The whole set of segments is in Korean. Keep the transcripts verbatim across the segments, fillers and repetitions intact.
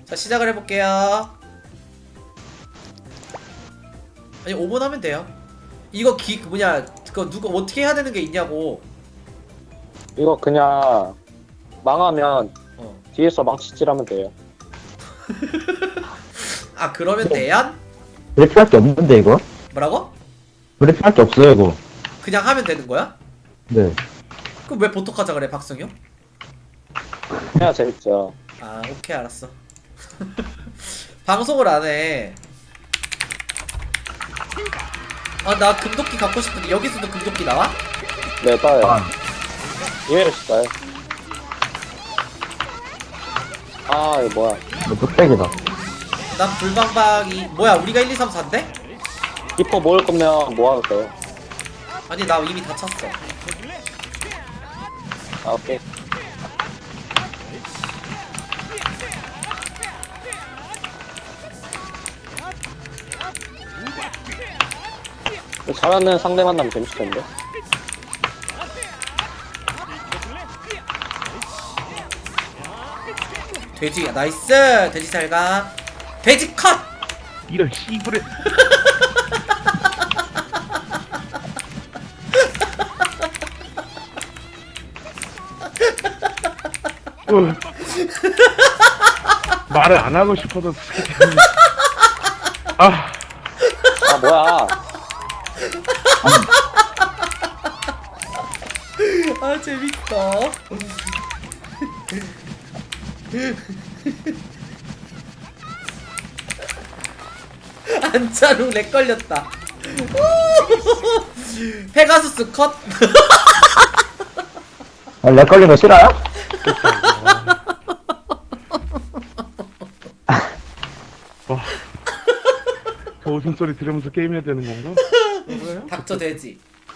자 시작을 해볼게요. 아니 오 분 하면 돼요. 이거 기 뭐냐 그거 누가 어떻게 해야 되는 게 있냐고. 이거 그냥 망하면 어. 뒤에서 망치질하면 돼요. 아 그러면 대안? 브레이크할 게 없는데 이거? 뭐라고? 브레이크할 게 없어요 이거. 그냥 하면 되는 거야? 네. 그럼 왜 보톡하자 그래 박성효? 해야 재밌죠. 아 오케이 알았어. 방송을 안해. 아 나 금도끼 갖고 싶은데 여기서도 금도끼 나와? 네, 따요. 아, 이해를 시까요. 아, 이거 뭐야. 이거 뚝배기다. 난 불방박이 뭐야 우리가 일, 이, 삼, 사인데? 히퍼 모을 거면 뭐 하도 돼요. 아니 나 이미 다 찼어. 아, 오케이. 잘하는 상대 만나면 재밌을 텐데. 돼지 나이스 돼지 잘가. 돼지 컷! 이런 씨부레. 어. 말을 안 하고 싶어도 아 아, 뭐야. 아 재밌다. 안짜루 렉 걸렸다. 페가수스 컷. 아, 렉 걸린 거 싫어요? 와. 저 웃음소리 들으면서 게임해야 되는 건가? 뭐예요? 닥쳐 돼지.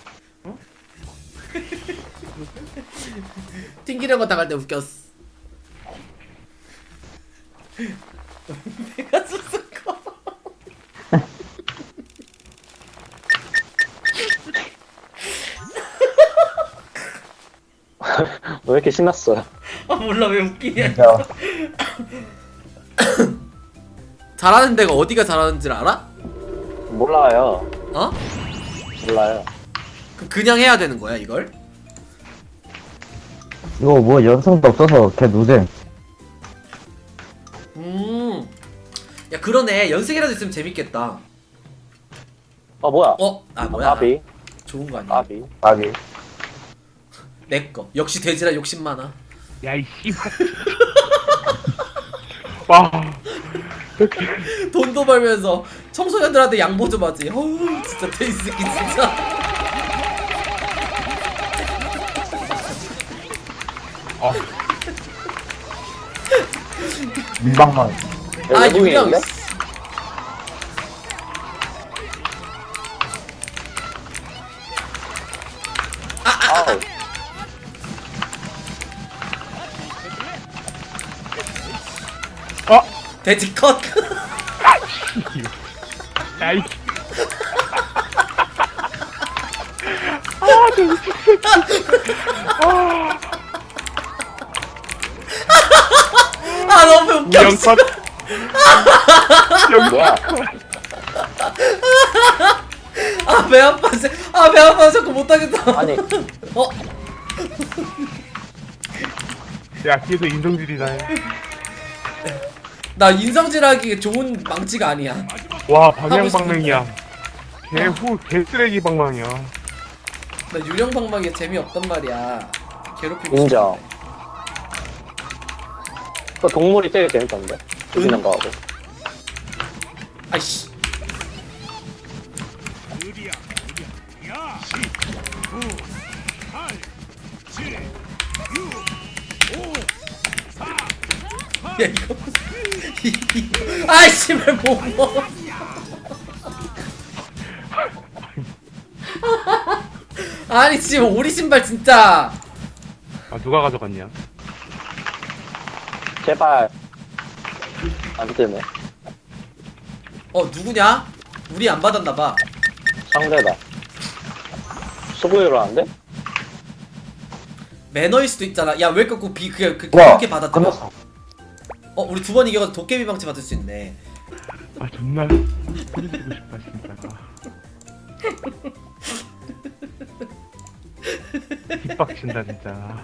튕기는 거 당할 때 웃겼어. 페가수스 컷. 왜 이렇게 신났어요? 아 몰라 왜 웃기냐. 진짜. 잘하는 데가 어디가 잘하는 줄 알아? 몰라요. 어? 몰라요. 그 그냥 해야 되는 거야 이걸? 이거 뭐 연승도 없어서 걔 누잼. 음. 야 그러네 연습이라도 있으면 재밌겠다. 아, 뭐야. 어? 아 뭐야? 아비. 좋은 거 아니야? 아비. 아기. 내꺼 역시 돼지라 욕심 많아. 야이 씨발. 와. 돈도 벌면서 청소년들한테 양보 좀 하지. 어우 진짜 돼지 새끼 진짜. 아, 민방만. 아 유령 외국인인데? 아우. 어? 돼지 컷. 야이. 아 너무 웃겨. 영컷. 뭐야. 아배 아파. 아배 아파 자꾸 못하겠다. 아니. 어? 야, 뒤에서 인성질이다. 나 인성질하기 좋은 망치가 아니야. 와, 방향방맹이야. 개후, 개쓰레기 방망이야. 나 유령 방망이 재미없단 말이야. 괴롭히고 인정. 싶은데. 그 동물이 되게 재밌던데. 죽이는 거 하고. 아이씨. 야 이거 아이씨 왜 못 먹어. 아니 지금 오리 신발 진짜. 아, 누가 가져갔냐? 제발. 안 뜨네. 어 누구냐? 우리 안 받았나봐. 상대다. 수고해로 하는데? 매너일 수도 있잖아. 야 왜 꺾고 비 그게 그, 와, 그렇게 받았잖아. 끝났어. 어 우리 두 번 이겨서 도깨비 방치 받을 수 있네. 아 존나 소리 지르고 싶다 진짜. 힙박친다 진짜.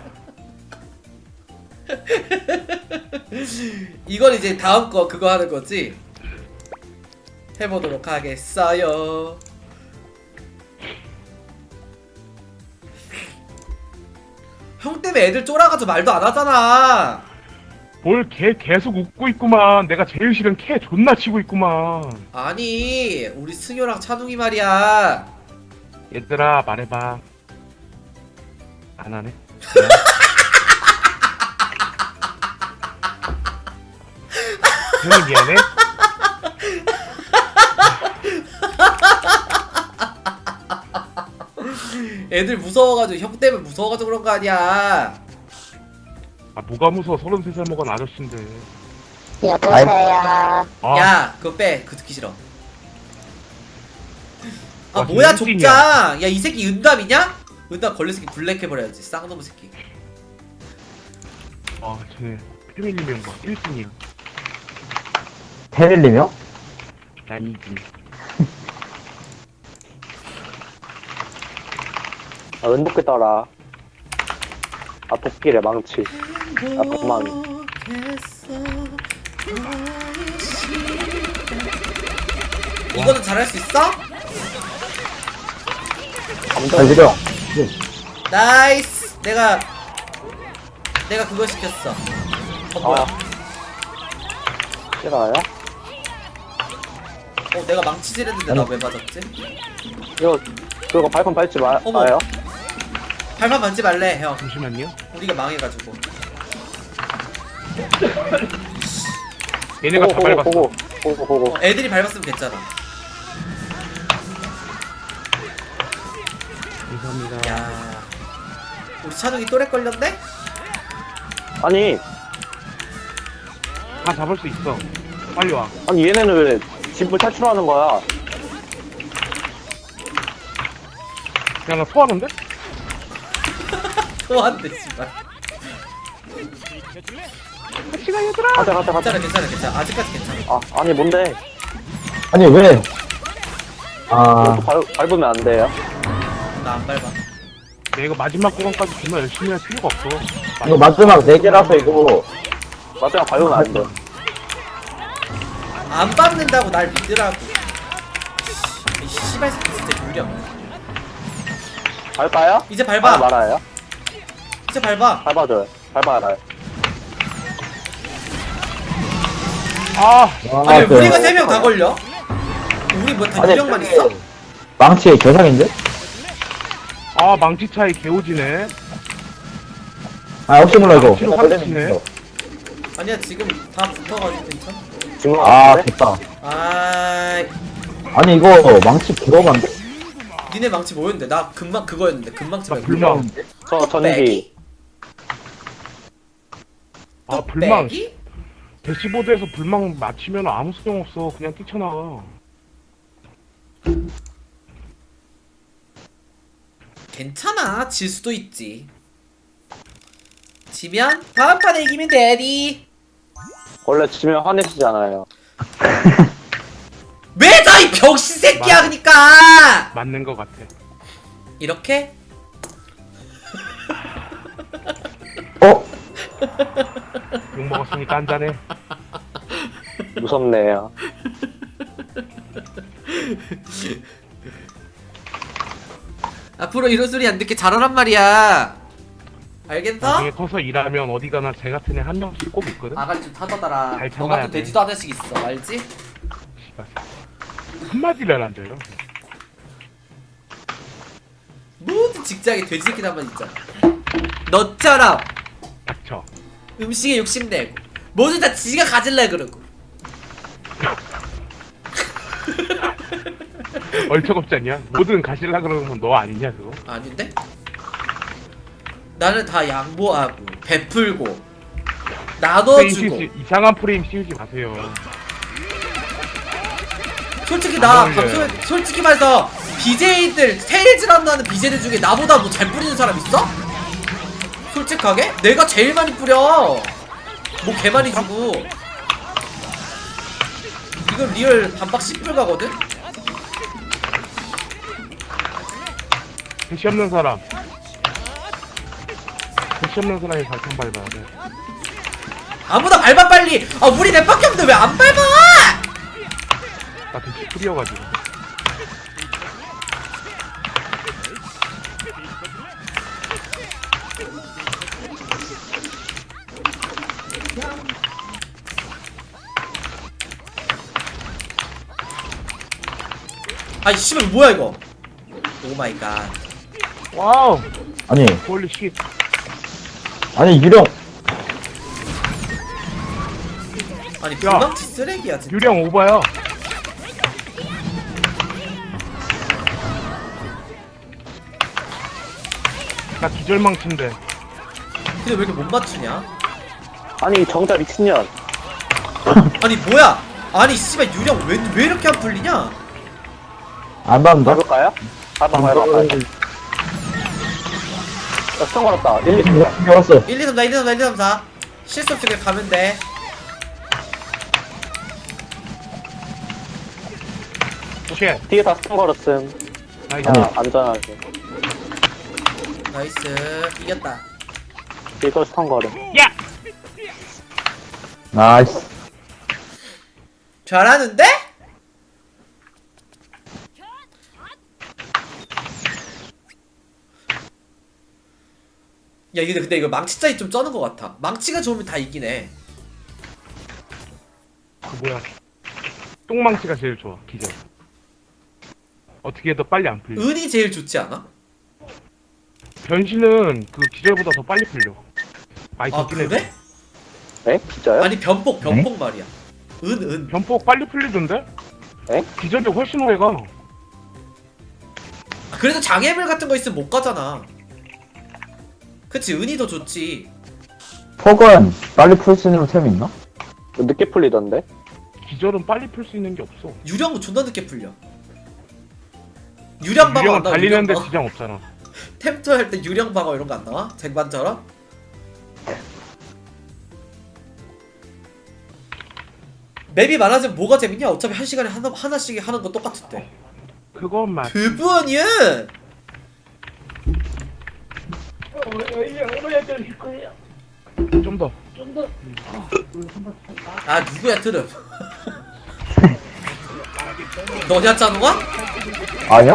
이건 이제 다음 거 그거 하는 거지. 해보도록 하겠어요. 형 때문에 애들 쫄아가지고 말도 안 하잖아. 뭘 걔 계속 웃고 있구만. 내가 제일 싫은 캐 존나 치고 있구만. 아니 우리 승효랑 찬웅이 말이야. 얘들아 말해봐. 안 하네. 형이 미안해. 애들 무서워가지고 형 때문에 무서워가지고 그런 거 아니야. 아 뭐가 무서워. 서른세 살 먹은 아저씨인데. 여보세요. 아, 야 그거 빼. 그거 듣기 싫어. 아 와, 뭐야 진짜 족장. 야 이 새끼 은담이냐? 은담 걸린 새끼 블랙 해버려야지. 쌍놈의 새끼. 아 쟤네 패밀리 멤버 일 등이야. 테릴리며? 난 이 등. 아, 은도끼 따라. 아, 도끼래, 망치. 아, 도망. 이거는 잘할 수 있어? 잘 지려. 나이스. 내가 내가 그거 시켰어. 어 뭐야? 싫어요? 어 내가 망치질 했는데 나 왜 맞았지? 이거, 그거 발판 밟지 마, 어머. 마요? 발판 만지 말래 형. 잠시만요. 우리가 망해가지고. 얘네가 다 보고, 밟았어. 보고, 보고, 보고. 어, 애들이 밟았으면 됐잖아. 감사합니다. 야 우리 찬욱이 또래 걸렸네? 아니, 다 잡을 수 있어. 빨리 와. 아니, 얘네는 왜 집을 탈출하는 거야? 야, 나 토하는데? 또한대 씨발. 시간 얘들아! 가자, 가자, 가자. 괜찮아 괜찮아 괜찮아. 아직까지 괜찮아. 아, 아니, 뭔데? 아니, 왜? 아, 이것도 밟, 밟으면 안 돼요? 나 안 밟아. 내가 이거 마지막 구간까지 정말 열심히 할 필요가 없어. 이거 마지막 네 개라서 이거. 마지막 밟으면 안 돼. 안 밟는다고 날 믿으라고. 이 씨발 새끼 진짜 유령. 밟아요? 이제 아, 밟아. 말아요? 이제 밟아. 밟아줘요. 밟아요. 아! 아, 아니 그- 우리가 세 명 다 걸려? 우리 뭐 다 아니, 유령만 저기 있어? 망치의 개상인데? 아, 망치 차이 개오지네. 아, 혹시 몰라, 이거. 망치로 화내치네. 아니야 지금 다 붙어가지고 괜찮아. 지금 아, 같은데? 됐다. 아 아니, 이거 망치 개로반데? 니네 망치 뭐였는데? 나 금방 그거였는데 금망치 나 말고 불망. 저 전기. 빼기? 아, 또 불망. 빼기? 대시보드에서 불망 맞히면 아무 소용 없어. 그냥 뛰쳐나가. 괜찮아 질 수도 있지. 지면 다음 판에 이기면 되디. 원래 지면 화내시잖아요. 왜 저 이 병신 새끼야 맞아. 그니까. 맞는 것 같아. 이렇게? 어? 욕 먹었으니까 한잔해. 무섭네요. 앞으로 이런 소리 안 듣게 잘하란 말이야. 알겠어? 나중에 커서 일하면 어디 가나 쟤 같은 애 한 명씩 꼭 있거든? 아가리 좀 타더더라. 잘 너 참아야 같은 돼. 돼지도 하나씩 있어 알지? 씨발. 한마디를 안 돼요. 모든 직장에 돼지 새끼 한번 있잖아. 너처럼 닥쳐. 음식에 욕심내고 모두 다 지가 가질래 그러고. 얼척없지 않냐? 뭐든 가실라 그러면 너 아니냐 그거? 아닌데? 나는 다 양보하고 베풀고 프레임 나눠주고. 씌우지, 이상한 프레임 씌우지 마세요. 솔직히 안 나 어울려요. 방송에 솔직히 말해서 비제이들 테일즈라는 하는 비제이들 중에 나보다 뭐 잘 뿌리는 사람 있어? 솔직하게? 내가 제일 많이 뿌려. 뭐 개 많이 주고. 지금 리얼 반박 십 불 가거든? 대시 없는 사람. 대시 없는 사람이 발판 밟아야 돼. 아무나 밟아 빨리! 아 우리 랩밖에 없는데 왜 안 밟아! 나 대시 풀이어가지고. 아이 씨발 뭐야 이거 오마이갓. 와우. 아니, 홀리 쉿. 아니, 유령. 아니 야. 불망치 쓰레기야 진짜. 유령 오버야. 나 기절망친데. 근데 왜 이렇게 못 맞추냐? 아니 정자 미친년. 아니 뭐야? 아니 씨발 유령 왜, 왜 이렇게 안 풀리냐? 안 받는다? 밟을까요? 밟아 밟아 밟아. 야 수정 걸었다. 일, 이, 삼. 열었어. 일, 이, 삼, 사, 일, 이, 삼, 사, 일, 이, 삼, 사 실수 없이 그냥 가면 돼. 오케이. 뒤에 다 수정 걸었음. 나이스. 아니. 자 안전하게. 나이스 이겼다. 뒤에 또 수정 걸음. 야! 나이스. 잘하는데? 야 이게 근데 이거 망치 짜이 좀 쩌는 것 같아. 망치가 좋으면 다 이기네. 그 뭐야. 똥망치가 제일 좋아. 기절. 어떻게 해도 빨리 안 풀려. 은이 제일 좋지 않아? 변신은 그 기절보다 더 빨리 풀려. 많이 아 좋긴 해. 그래? 에? 진짜요? 아니 변폭 변폭 말이야. 은 은. 변폭 빨리 풀리던데? 에? 기절이 훨씬 오래 가. 아, 그래도 장애물 같은 거 있으면 못 가잖아. 그치 은이 더 좋지. 폭은 빨리 풀 수 있는 템 있나? 늦게 풀리던데? 기절은 빨리 풀 수 있는 게 없어. 유령은 존나 늦게 풀려. 유령 방어 안 유령은 나와. 달리는데 유령 방어. 지장 없잖아. 템트 할 때 유령 방어 이런 거 안 나와? 쟁반처럼? 맵이 많아지면 뭐가 재밌냐? 어차피 한 시간에 하나, 하나씩 하는 거 똑같을 때. 그건 맞. 그분이야! 좀 더. 아 누구야 트름? 너냐 짜누가? 아니야?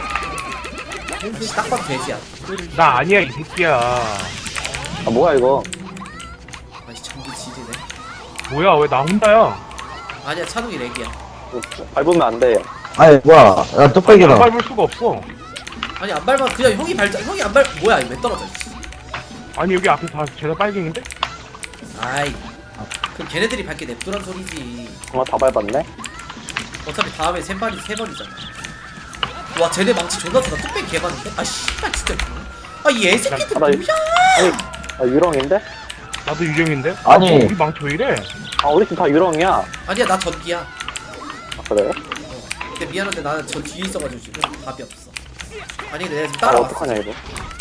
씨, 딱 봐도 돼지야. 나 아니야 이 새끼야. 아 뭐야 이거? 아니 전기 지리네. 뭐야 왜 나 혼자야? 아니야 찬욱이 렉이야. 밟으면 안 돼요. 아니, 뭐야. 야, 안 뚝배기다. 밟을 수가 없어. 아니 안 밟아 그냥 형이 밟자. 형이 안 밟. 뭐야 이거 왜 떨어져? 씨. 아니 여기 앞에 다 죄다 빨갱인데? 아이. 그럼 걔네들이 밟게 냅두란 소리지. 정말 다 밟았네. 어차피 다음에 세 번이 세 번이잖아. 와 쟤네 망치 존나 좋다. 뚝배기 개봤는데? 아 씨발 진짜. 아이 애새끼들 아, 나- 뭐야? 아니 아 유령인데? 나도 유령인데? 아니. 아, 우리 망치 왜 이래? 아 우리 팀 다 유령이야. 아니야 나 전기야. 아 그래요? 근데 미안한데 나는 저 뒤에 있어가지고 지금 답이 없어. 아니 근데 내가 지금 아 따라왔어. 어떡하냐 이거.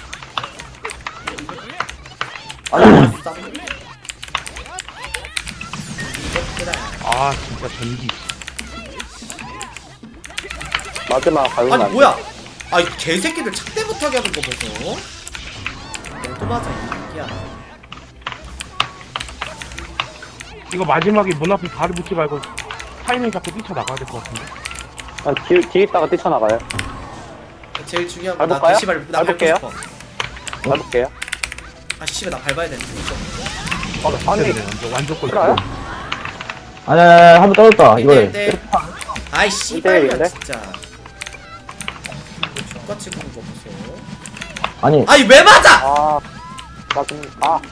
아니 아 진짜 전기. 마지막 밟으면 안 아니 돼. 뭐야? 아이 개새끼들 착대 못하게 하는 거 보소. 또 맞아 이 새끼야. 이거 마지막에 문 앞에 발을 붙지 말고 타이밍 잡고 뛰쳐나가야 될 것 같은데? 아, 뒤, 뒤에 있다가 뛰쳐나가요. 제일 중요한 건 나 밟을까요? 대시 밟, 나 밟고 밟을게요. 싶어. 밟을게요. 아 씨발 나 밟아야 되는데. 어, 아니 네, 완전 완전 꼴. 싫어요? 아니, 아니, 아니, 한번 떨어졌다. 이거를. 이때 아이 씨발이야 이대일인데? 진짜. 이거 족같이 구는 거 보소. 아니, 아니 왜 맞아? 아 맞은 아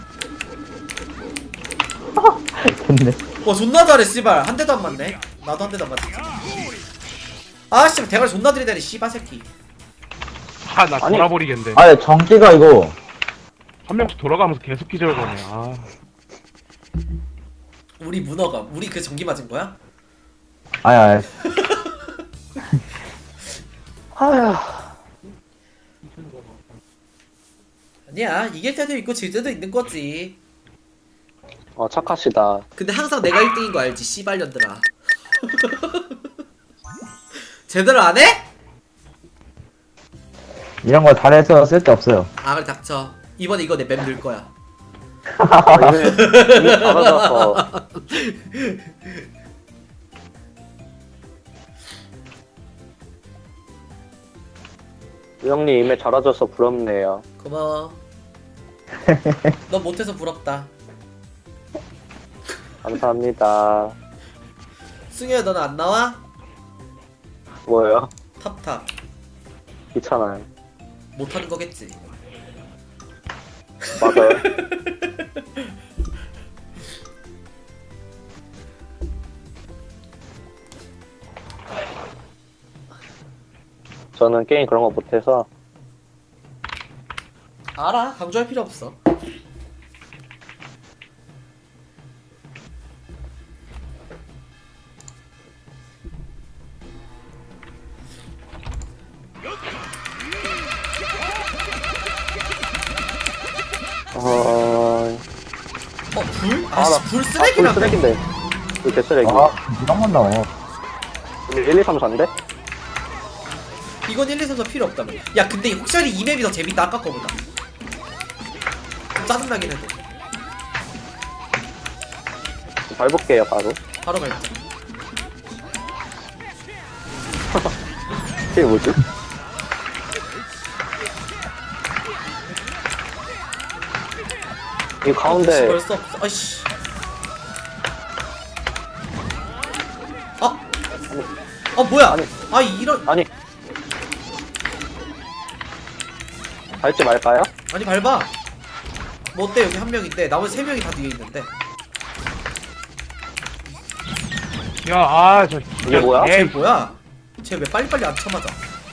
근데. 와 존나 잘해 씨발 한 대도 안 맞네. 나도 한 대도 안 맞았지. 아 씨발 대가리 존나 들이대네 씨발 새끼. 아나 아니. 돌아버리겠는데. 아니, 전기가 이거. 한 명씩 돌아가면서 계속 기절거네. 아. 우리 문어가 우리 그 전기 맞은 거야? 아니, 아니. 아휴 아니야 이길 때도 있고 질 때도 있는 거지. 어 착하시다. 근데 항상 내가 일 등인 거 알지 씨발년들아. 제대로 안 해? 이런 거 잘해서 쓸데없어요. 아 그래 닥쳐. 이번에 이거 내 맵 넣을 거야. 아, 이미, 이미 잘하셔서. 우영님 이미 잘하셔서 부럽네요. 고마워. 너 못해서 부럽다. 감사합니다. 승효야 너는 안 나와? 뭐예요? 탑탑. 귀찮아요. 못하는 거겠지. 맞아요. 저는 게임 그런 거 못해서. 알아. 강조할 필요 없어. 어... 어 불? 아, 아씨 나- 불 아, 쓰레기라고. 불 쓰레기인데. 불 개쓰레기. 아, 이런 건 나와. 일, 이, 삼, 사인데? 이건 일, 이, 삼, 사 필요 없다며. 야 근데 혹시 이 맵이 더 재밌다 아까 거보다. 좀 짜증나긴 해도. 밟을게요, 바로. 바로 갈자. 이게 뭐지? 이 가운데 벌써 없어. 아이씨. 아. 아 뭐야? 아니. 아 이런. 아니 밟지 말까요? 아니 밟아. 뭐 어때 여기 한 명인데 나머지 세 명이 다 뒤에 있는데. 야, 아, 저. 이게 뭐야? 쟤 예, 뭐야? 쟤 왜 빨리빨리 안 쳐맞아?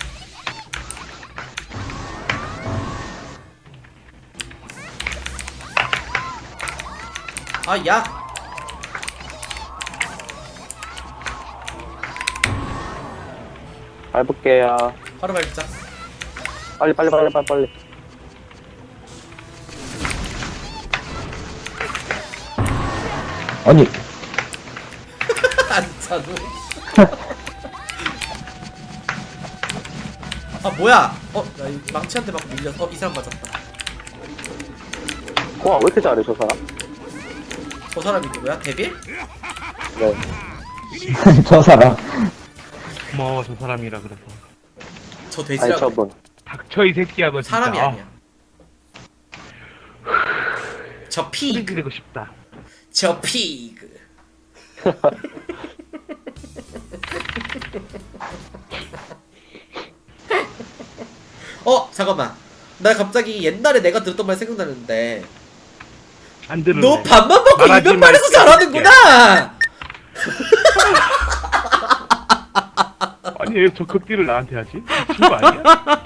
아 야. 밟을게요. 바로 밟자. 빨리 빨리 빨리 빨리 빨리. 아니, 안 차도. 아 뭐야? 어, 나 이 망치한테 막 밀려서 어, 이 사람 맞았다. 와, 왜 이렇게 잘해 저 사람? 저 사람이 누구야? 데빌? 네. 저 사람. 고마워, 저 사람이라 그래서. 저 아니 돼지라고. 저분. 닥쳐, 이 새끼야, 너 진짜. 사람이 아, 아니야. 저 소리 피그. 지르고 싶다. 저 피그. 어 잠깐만. 나 갑자기 옛날에 내가 들었던 말 생각나는데. 안 들을래. 너 밥만 먹고 말하지 이면 말해서 말게. 잘하는구나. 아니, 왜 저 극딜을 나한테 하지? 친구 아니야?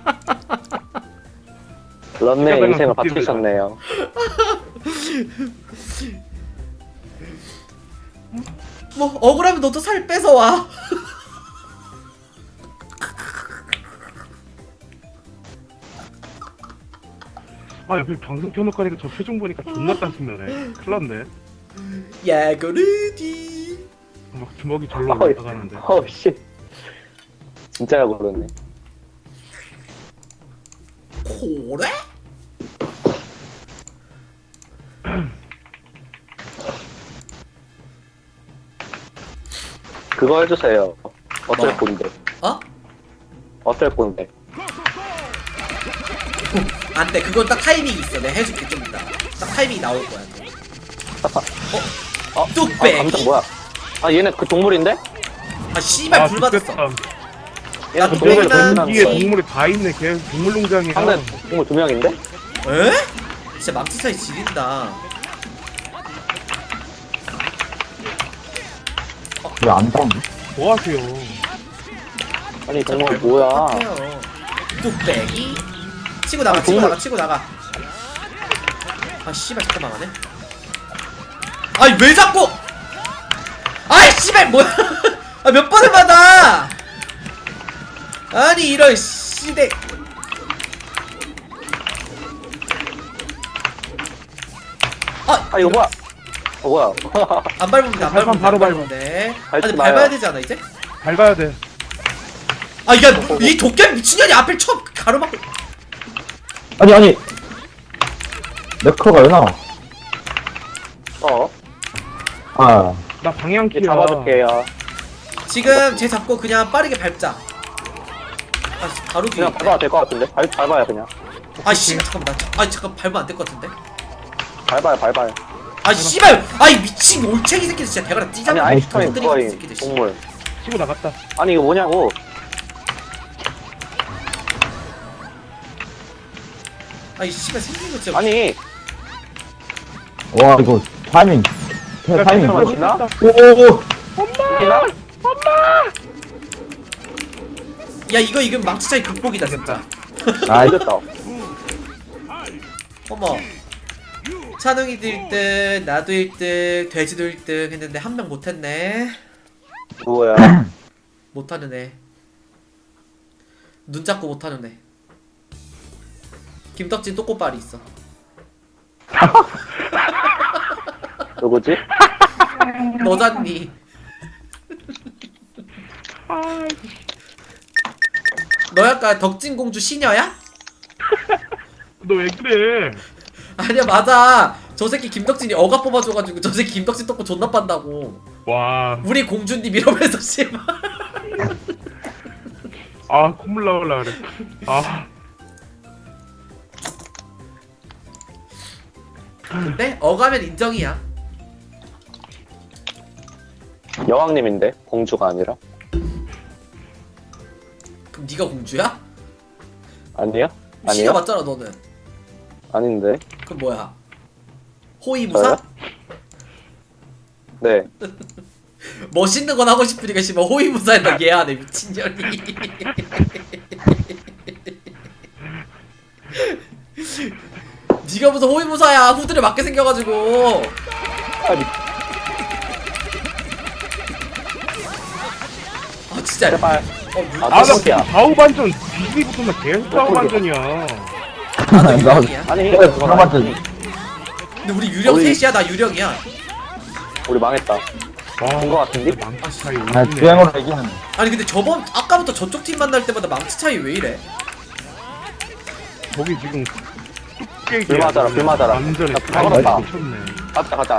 런네 시작하면 인생을 극딜을 바치셨네요. 뭐 억울하면 너도 살 빼서 와. 아, 옆에 방송 켜놓고 하니까 저 표정 보니까 존나 딴스면해. 큰일 났네. 야구르디. 막 주먹이 절로 어이. 올라가는데. 어우 씨. 진짜야 그러네. 고래? 그거 해주세요. 어쩔 뭐? 건데. 어? 어쩔 건데. 안돼 그건 딱 타이밍이 있어. 내가 해줄게 좀 이따. 딱 타이밍이 나올 거야. 어? 어? 뚝배기. 아, 감정 뭐야? 아 얘네 그 동물인데? 아 씨발 불 맞았어. 좋겠다. 얘네 나 그 동물이랑 동물이 난 여기에 거. 동물이 다 있네. 걔 동물농장이야. 상대 동물 두 명인데? 에? 진짜 망치 차이 지린다. 왜 안 닿네? 뭐 하세요? 아니 동물 뭐야? 똑같아요. 뚝배기. 치고 나가 아, 치고 동물. 나가 치고 나가. 아 씨발 잠깐만 하네. 아니 왜 자꾸? 아이 씨발 뭐야? 아 몇 번을 받아? 아니 이런 씨대. 아 이거 뭐야? 어, 뭐야. 안 밟으면 돼, 안 발판 밟으면 돼, 바로 안 밟으면 돼. 밟지 아니 마요. 밟아야 되지 않아 이제? 밟아야 돼. 아 야 이 도깨비 미친년이 앞을 쳐 가로막고. 아니, 아니. 네커가 왜 나와? 어, 아, 나 방향키야. 이제 잡아줄게요. 지금 쟤 잡고 그냥 빠르게 밟자. 아 씨, 바로 뒤에. 그냥 밟아도 될 것 같은데? 밟, 밟아요, 그냥. 아 씨발 잠깐만 나. 아 잠깐 밟으면 안 될 것 같은데. 밟아요, 밟아요. 아 씨발. 아이 미친 올챙이 새끼들 진짜 대가리 아니, 찢어버려. 아이스크림 터뜨리는 그거임, 새끼들, 씨. 동물. 치고 나갔다. 아니, 이거 뭐냐고. 아이 씨발 생긴 거 진짜. 아니, 와, 이거 타이밍. 태- 타이밍. 잠깐만, 지나? 오오오. 지나? 야 이거 이건 망치 차이 극복이다 진짜. 아, 이거. 이겼다. 어머. 찬웅이도 일 등, 나도 일 등, 돼지도 일 등 했는데 한 명 못했네. 누구야? 못하는 애. 눈 잡고 못하는 애. 김덕진 또꼬발이 있어. 누구지? 너잖니. 너 약간 덕진공주 시녀야? 너 왜 그래? 아니야 맞아. 저 새끼 김덕진이 어가 뽑아줘가지고 저 새끼 김덕진 떡고 존나 빤다고. 와. 우리 공주님 이러면서 씨발. 아 콧물 나올라 그래. 아. 근데 어가면 인정이야. 여왕님인데? 공주가 아니라? 그럼 네가 공주야? 아니야? 시녀 아니야? 맞잖아 너는. 아닌데? 그럼 뭐야? 호위무사? 저요? 네. 멋있는 건 하고 싶으니까 씨발 호위무사에다 얘하네 미친년이. 네가 무슨 호위무사야. 후드를 맞게 생겨가지고. 아니, 아 진짜. 제발. 어, 물, 아, 아나 깜짝이야. 좌우 반전 뒤지부터만 계속 좌우 반전이야. 나도 유령이야. 아니, 그래, 그건 그런 아니지. 근데 우리 유령 우리- 셋이야. 나 유령이야. 우리 망했다. 와. 본거 같은데? 망치 차이 아, 오지네. 주행으로 이기는. 아니 근데 저번 아까부터 저쪽 팀 만날 때마다 망치 차이 왜 이래? 저기 지금 뚝배기야. 불 맞아라, 불 맞아라. 완전히 나 다 불 맞았다. 미쳤네. 가자, 가자.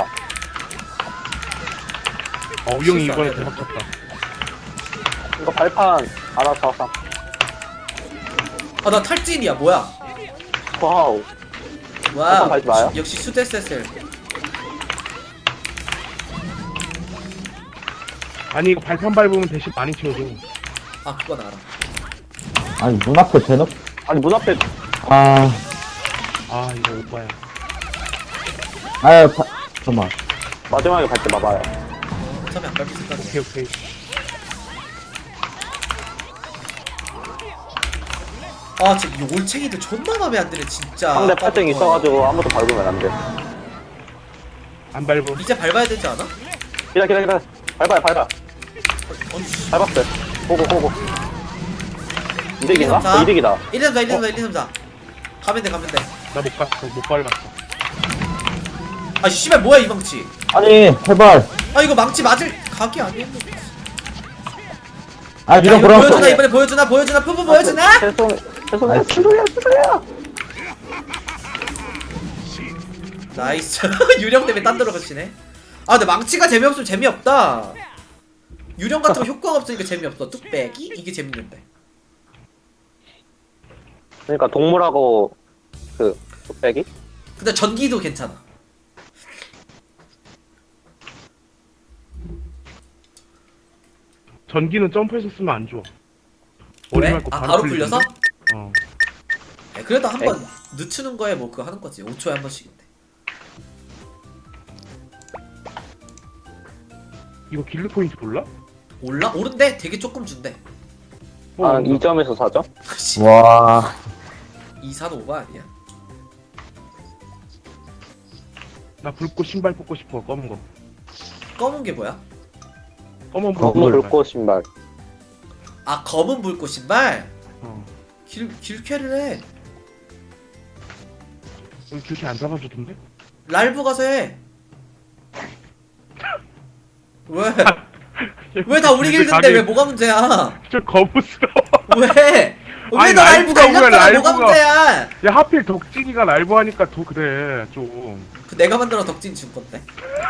어 우영이 실수 안 이번에 해야 대박 쳤다. 이거 발판 알아서 하자. 아 나 탈진이야 뭐야? 와우. 와 잠깐 밟지 마요. 역시 수데세셀. 아니 이거 발판 밟으면 대신 많이 채워줘. 아 그건 알아. 아니, 눈앞에 대놓. 아니, 문 앞에 아, 아 이거 오빠야. 아유, 파, 잠깐만. 마지막에 갈 때 봐봐요. 어차피 안 밟힐 생각이야. 오케이 오케이. 아 진짜 이 올챙이들 존나 맘에 안 드네 진짜. 상대 팔등 있어가지고 아무도 밟으면 안 돼. 안 밟어. 이제 밟아야 되지 않아? 기다, 기다, 기다. 밟아요, 밟아. 아니 씨. 밟았어요. 보고, 보고. 이득인가? 일, 삼, 사. 어, 이득이다. 일, 이, 삼, 사, 일, 이, 삼, 사, 일, 이, 삼, 사. 가면 돼 가면 돼. 나 못 갔어. 못 밟았어. 아 씨발 뭐야 이 망치. 아니, 해발. 아 이거 망치 맞을 각이 아니었는데. 아, 야 이런 이거 그런 보여주나 거. 이번에 보여주나 보여주나 푸푸 보여주나? 죄송, 죄송해요. 아이씨. 죄송해요, 죄송해요. 나이스. 유령 때문에 딴 데로 가시네. 아 근데 망치가 재미없으면 재미없다. 유령 같은 거 효과가 없으니까 재미없어. 뚝배기? 이게 재밌는데. 그러니까 동물하고 그 뚝배기? 근데 전기도 괜찮아. 전기는 점프해서 쓰면 안 좋아. 왜? 머리 맞고 아 바로 풀리던데? 풀려서? 어. 네, 그래도 한 번 늦추는 거에 뭐 그거 하는 거지. 오 초에 한 번씩인데. 이거 길드 포인트 몰라? 올라? 오른데 되게 조금 준대. 어, 한 뭔가. 이 점에서 사 점? 씨, 와. 이산 오버 아니야? 나 붉고 신발 뽑고 싶어. 검은 거. 검은 게 뭐야? 검은 검은 붉고 신발. 붉고 신발. 아 검은 불꽃 신발? 어. 길 길캐를 해. 여기 그렇게 안 잡아주던데? 랄브 가서 해. 왜? 왜 다 우리 길드인데 왜 뭐가 문제야? 저 거부스러워. 왜? 왜 아니, 너 라이브 라이브가 왜 갈렸잖아. 뭐가 라이브가- 문제야? 야 하필 덕진이가 라이브 하니까 더 그래 좀. 그 내가 만들어 덕진 준 건데.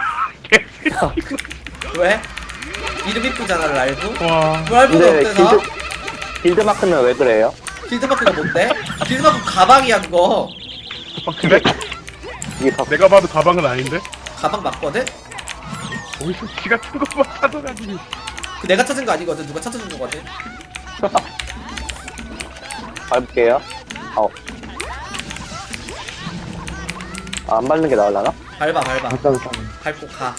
왜? 이름 이쁘잖아 라이브. 와. 라이브가 근데 어때서? 길드, 길드 마크는 왜 그래요? 길드마크가 뭔데? 길드마크 가방이야 그거. 아, 그래? 이게 다 내가 봐도 가방은 아닌데? 가방 맞거든? 어디서 지 같은 것만 찾아가지고. 그 내가 찾은 거 아니거든. 누가 찾아준 거거든. 밟을게요. 어. 아, 안 밟는 게 나을라나? 밟아 밟아. 잠깐, 잠깐. 밟고 가.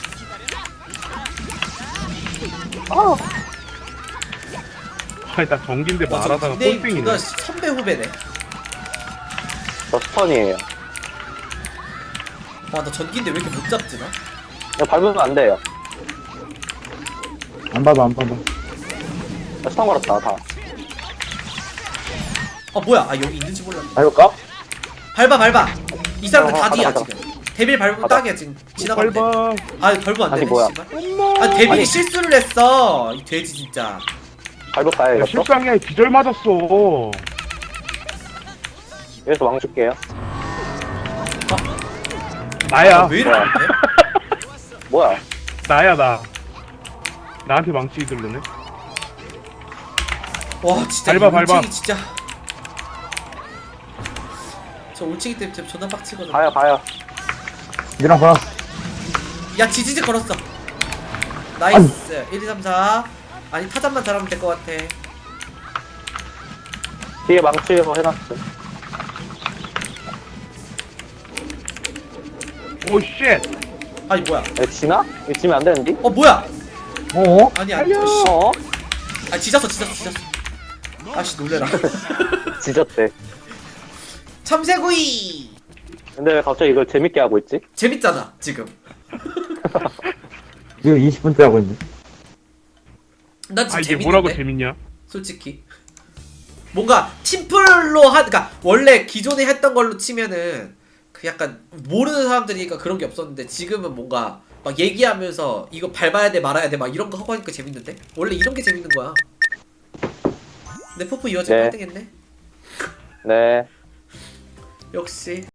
아, 아니 나 전기인데 와, 저 말하다가 닉네임 꼴등이네. 존나 선배 후배네. 저 스턴이에요. 와, 나 전기인데 왜 이렇게 못 잡지 나? 이거 밟으면 안 돼요. 안 봐도 안 봐도. 나 스턴 걸었다, 다. 아 뭐야? 아 여기 있는지 몰랐네. 밟을까? 밟아 밟아. 이 사람들 어, 다 가자, 뒤야 가자. 지금. 데빌 밟으면 가자. 딱이야 지금. 지나가면 돼. 밟아. 아 벌브 안 아니, 되네. 뭐야. 씨발. 엄마. 아 데빌이 아니. 실수를 했어. 이 돼지 진짜. 밟을까요, 야, 이것도? 실수한 게 아니라 기절 맞았어. 여기서 왕 줄게요. 나야. 아, 왜 이렇게 뭐야. 못해? 뭐야? 나야 나. 나한테 망치 들르네. 와 진짜 밟아, 이 밟아. 올챙이 진짜. 저 올챙이 때문에 진짜 존나 빡치거든. 가요, 가요. 니랑 봐. 야 지지지 걸었어. 나이스. 일, 이, 삼, 사. 아니 타잔만 잘하면 될 것 같아. 뒤에 망치로 해놨어. 오 쉣. 아니 뭐야? 이거 지나? 이거 지면 안 되는데? 어 뭐야? 어? 아니 아니. 달려. 씨. 어? 아 지졌어 지졌어 지졌어. 아씨 놀래라. 지졌대. 참새구이. 근데 왜 갑자기 이걸 재밌게 하고 있지? 재밌잖아 지금. 지금 이십 분째 하고 있네. 난 지금 아 이게 재밌는데. 뭐라고 재밌냐? 솔직히. 뭔가 팀플로 하, 그러니까 원래 기존에 했던 걸로 치면은 그 약간 모르는 사람들이니까 그런 게 없었는데 지금은 뭔가 막 얘기하면서 이거 밟아야 돼 말아야 돼 막 이런 거 하고 하니까 재밌는데? 원래 이런 게 재밌는 거야. 근데 포프 이어지고 네. 일 등 했네. 네. 역시.